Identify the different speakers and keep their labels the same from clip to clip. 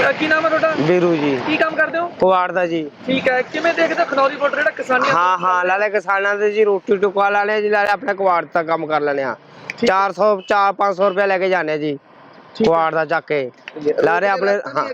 Speaker 1: ਕੀ ਨਾਮ ਹੈ ਤੁਹਾਡਾ?
Speaker 2: ਵੀਰੂ ਜੀ।
Speaker 1: ਕੀ ਕੰਮ ਕਰਦੇ ਹੋ?
Speaker 2: ਕੁਆੜ ਦਾ ਜੀ।
Speaker 1: ਠੀਕ ਹੈ, ਕਿਵੇਂ ਦੇਖਦੇ ਹੋ ਖਨੌਰੀ ਬਾਰਡਰ ਜਿਹੜਾ ਕਿਸਾਨੀ?
Speaker 2: ਹਾਂ ਲਾਲੇ ਕਿਸਾਨਾਂ ਦੇ ਜੀ ਰੋਟੀ ਟੁਕਵਾ ਲੈਣੇ ਜੀ, ਲਾਲੇ ਆਪਣੇ ਕੁਆੜ ਦਾ ਕੰਮ ਕਰ ਲੈਣੇ ਆ। 400-500 रुपया लेके जाने जी कुआड़ दा जाके लारे अपने।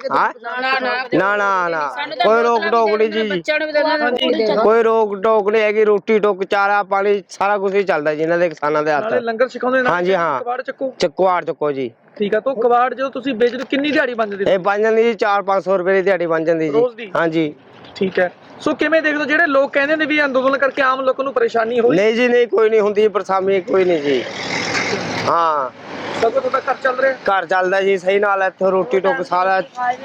Speaker 2: ना ना ना कोई रोक टोक नहीं जी, कोई रोक टोक नहीं हैगी। रोटी टुक चारा पानी सारा कुछ ही चलता जी इन्हां दे किसानां दे हत्थ।
Speaker 1: लंगर सिखाउंदे ने?
Speaker 2: हाँ जी हाँ, कुआड़ चुको जी।
Speaker 1: ठीक है, तो कबाड़ जो तुसी बेचदे किन्नी दिहाड़ी बन जांदी?
Speaker 2: ਇਹ ਬਣ ਜਾਂਦੀ ਜੀ 400-500 रुपए ਦੀ ਦਿਹਾੜੀ ਬਣ ਜਾਂਦੀ ਜੀ। हाँ जी।
Speaker 1: ठीक है, सो किवें देखदे हो ਜਿਹੜੇ ਲੋਕ ਕਹਿੰਦੇ ਨੇ ਵੀ ਅੰਦੋਲਨ ਕਰਕੇ ਆਮ ਲੋਕਾਂ ਨੂੰ ਪਰੇਸ਼ਾਨੀ ਹੋਈ?
Speaker 2: नहीं जी नहीं, कोई नहीं ਹੁੰਦੀ ਪਰੇਸ਼ਾਨੀ, कोई नहीं जी। हाँ
Speaker 1: ਸਭ ਤੁਹਾਡਾ ਘਰ ਚੱਲ ਰਿਹਾ?
Speaker 2: ਘਰ ਚੱਲਦਾ ਜੀ ਸਹੀ ਨਾਲ। ਇੱਥੋਂ ਰੋਟੀ ਟੁੱਕ ਸਾਰਾ,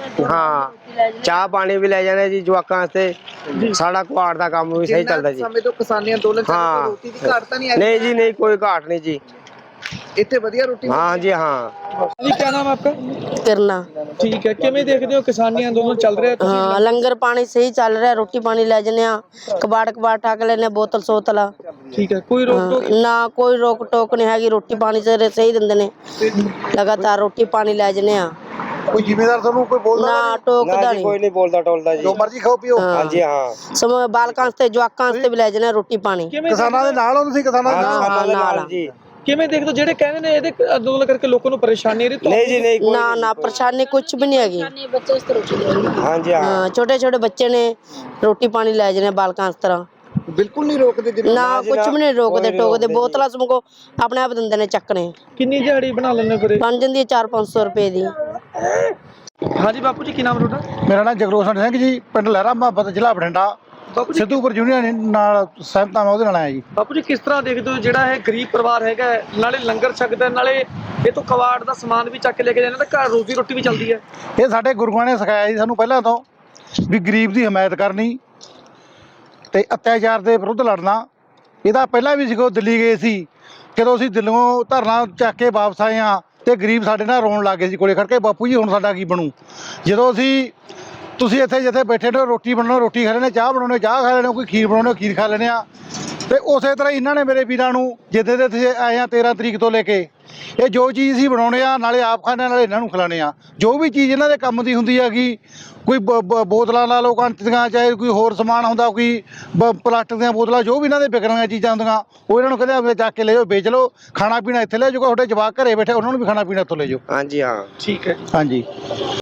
Speaker 2: ਹਾਂ ਚਾਹ ਪਾਣੀ ਵੀ ਲੈ ਜਾਂਦੇ ਜੀ ਜਵਾਕਾਂ ਵਾਸਤੇ। ਸਾਡਾ ਕੁਆੜ ਦਾ ਕੰਮ ਵੀ ਸਹੀ ਚੱਲਦਾ ਜੀ।
Speaker 3: ਸਮੇਂ ਤੋਂ ਕਿਸਾਨੀ ਅੰਦੋਲਨ ਚੱਲ ਰਿਹਾ, ਰੋਟੀ ਦੀ ਘਾਟ ਤਾਂ ਨਹੀਂ ਆਈ?
Speaker 2: नहीं जी नहीं, कोई घाट नहीं जी।
Speaker 3: ਇੱਥੇ ਵਧੀਆ ਰੋਟੀ?
Speaker 2: हाँ जी हाँ।
Speaker 1: जी क्या नाम है आपका?
Speaker 4: करना।
Speaker 1: ठीक है, किवें देखदे हो किसानी अंदोलन चल रहा है?
Speaker 4: हाँ लंगर पानी सही चल रहा है, रोटी पानी ले जने कबाड़ ठाक लेने बोतल सोतला।
Speaker 1: ठीक है, कोई रोक टोक?
Speaker 4: ना कोई रोक टोक नहीं हैगी, रोटी पानी से सही दिंदे ने, लगातार रोटी पानी ले जने।
Speaker 3: ਕੋਈ ਜ਼ਿੰਮੇਦਾਰ ਤੁਹਾਨੂੰ ਕੋਈ ਬੋਲਦਾ
Speaker 4: ना टोकदा नहीं,
Speaker 2: कोई नहीं बोलता टोलता जी।
Speaker 3: ਜੋ ਮਰਜ਼ੀ ਖਾਓ ਪੀਓ?
Speaker 2: हाँ जी हाँ।
Speaker 4: समय बालकां से जवाकां से भी ले जने रोटी पानी।
Speaker 3: ਕਿਸਾਨਾਂ ਦੇ ਨਾਲ ਹੋ ਤੁਸੀਂ? ਕਿਸਾਨਾਂ ਦੇ ਨਾਲ?
Speaker 2: किसानां दे नाल जी।
Speaker 1: ਕਿਵੇਂ ਦੇਖਦੇ ਹੋ ਜਿਹੜੇ ਕਹਿੰਦੇ ਨੇ ਇਹਦੇ ਅੰਦੋਲਨ ਕਰਕੇ ਲੋਕਾਂ ਨੂੰ ਪਰੇਸ਼ਾਨੀ ਆ ਰਹੀ?
Speaker 2: नहीं जी नहीं, कोई
Speaker 4: ना ना परेशानी कुछ भी नहीं हैगी।
Speaker 2: हाँ जी हाँ।
Speaker 4: छोटे छोटे बच्चे ने रोटी पानी ले जने बालकां इस तरह।
Speaker 3: ਬਿਲਕੁਲ ਨਹੀਂ ਰੋਕਦੇ?
Speaker 4: ना कुछ भी नहीं रोकते टोकते, बोतल समको अपने आप दिंदे ने चकने।
Speaker 1: ਕਿੰਨੀ ਦਿਹਾੜੀ ਬਣਾ ਲੈਣੇ ਫਿਰ?
Speaker 4: बन जाती है 400-500 रुपए दी।
Speaker 1: ਹਾਂਜੀ ਬਾਪੂ ਜੀ, ਕੀ ਨਾਮ ਤੁਹਾਡਾ?
Speaker 3: ਮੇਰਾ ਨਾਮ ਜਗਰੋਸ਼ਨ ਸਿੰਘ ਜੀ, ਪਿੰਡ ਲਹਿਰਾ ਮੁਹੱਬਤ, ਜ਼ਿਲ੍ਹਾ ਬਠਿੰਡਾ।
Speaker 1: ਬਾਪੂ ਜੀ,
Speaker 3: ਸਿੱਧੂਪੁਰ ਯੂਨੀਅਨ ਨਾਲ ਸਹਿਮਤ ਹਾਂ ਮੈਂ, ਉਹਦੇ ਨਾਲ ਆਇਆ ਜੀ।
Speaker 1: ਬਾਪੂ ਜੀ ਕਿਸ ਤਰ੍ਹਾਂ ਦੇਖਦੇ ਹੋ ਜਿਹੜਾ ਇਹ ਗਰੀਬ ਪਰਿਵਾਰ ਹੈਗਾ, ਨਾਲੇ ਲੰਗਰ ਛਕਦਾ, ਨਾਲੇ ਇਹ ਤੋਂ ਕਬਾੜ ਦਾ ਸਮਾਨ ਵੀ ਚੱਕ ਕੇ ਲੈ ਕੇ ਜਾਂਦੇ, ਤਾਂ ਘਰ ਰੋਜ਼ੀ ਰੋਟੀ ਵੀ ਚੱਲਦੀ ਹੈ?
Speaker 3: ਇਹ ਸਾਡੇ ਗੁਰੂਆਂ ਨੇ ਸਿਖਾਇਆ ਜੀ ਸਾਨੂੰ ਪਹਿਲਾਂ ਤੋਂ, ਵੀ ਗਰੀਬ ਦੀ ਹਮਾਇਤ ਕਰਨੀ ਤੇ ਅਤਿਆਚਾਰ ਦੇ ਵਿਰੁੱਧ ਲੜਨਾ। ਇਹਦਾ ਪਹਿਲਾਂ ਵੀ ਸਿਖੋ, ਦਿੱਲੀ ਗਏ ਸੀ, ਜਦੋਂ ਅਸੀਂ ਦਿੱਲੀੋਂ ਧਰਨਾ ਚੱਕ ਕੇ ਵਾਪਸ ਆਏ ਹਾਂ ਤੇ ਗਰੀਬ ਸਾਡੇ ਨਾਲ ਰੋਣ ਲੱਗ ਗਏ ਸੀ ਕੋਲੇ ਖੜ ਕੇ, ਬਾਪੂ ਜੀ ਹੁਣ ਸਾਡਾ ਕੀ ਬਣੂ? ਜਦੋਂ ਤੁਸੀਂ ਇੱਥੇ ਜਿੱਥੇ ਬੈਠੇ ਨੇ ਰੋਟੀ ਬਣਾਉਣਾ ਰੋਟੀ ਖਾ ਲੈਣੇ, ਚਾਹ ਬਣਾਉਣੇ ਚਾਹ ਖਾ ਲੈਣੇ, ਕੋਈ ਖੀਰ ਬਣਾਉਣੇ ਖੀਰ ਖਾ ਲੈਣੇ ਆ। ਤੇ ਉਸੇ ਤਰ੍ਹਾਂ ਇਹਨਾਂ ਨੇ ਮੇਰੇ ਵੀਰਾਂ ਨੂੰ ਜਿੱਦੇ ਦੇ ਤੁਸੀਂ ਆਏ ਆ 13 ਤਰੀਕ ਤੋਂ ਲੈ ਕੇ, ਇਹ ਜੋ ਚੀਜ਼ ਅਸੀਂ ਬਣਾਉਣੇ ਆ ਨਾਲੇ ਆਪ ਖਾਣੇ ਨਾਲੇ ਇਹਨਾਂ ਨੂੰ ਖਿਲਾਣੇ ਆ। ਜੋ ਵੀ ਚੀਜ਼ ਇਹਨਾਂ ਦੇ ਕੰਮ ਦੀ ਹੁੰਦੀ ਹੈਗੀ, ਕੋਈ ਬੋਤਲਾਂ ਲਾ ਲਓ ਕੰਚ ਦੀਆਂ, ਚਾਹੇ ਕੋਈ ਹੋਰ ਸਮਾਨ ਹੁੰਦਾ, ਕੋਈ ਪਲਾਸਟਿਕ ਦੀਆਂ ਬੋਤਲਾਂ, ਜੋ ਵੀ ਇਹਨਾਂ ਦੇ ਵਿਕਣ ਵਾਲੀਆਂ ਚੀਜ਼ਾਂ ਹੁੰਦੀਆਂ ਉਹ ਇਹਨਾਂ ਨੂੰ ਕਹਿੰਦੇ ਆਪਣੇ ਚੱਕ ਕੇ ਲੈ ਜਾਓ, ਵੇਚ ਲਓ। ਖਾਣਾ ਪੀਣਾ ਇੱਥੇ ਲੈ ਜਾਓ, ਤੁਹਾਡੇ ਜਵਾਕ ਘਰੇ ਬੈਠੇ ਉਹਨਾਂ ਨੂੰ ਵੀ ਖਾਣਾ ਪੀਣਾ ਇੱਥੋਂ ਲੈ ਜਾਓ।
Speaker 2: हाँ जी हाँ।
Speaker 1: ਠੀਕ ਹੈ।
Speaker 3: ਹਾਂਜੀ।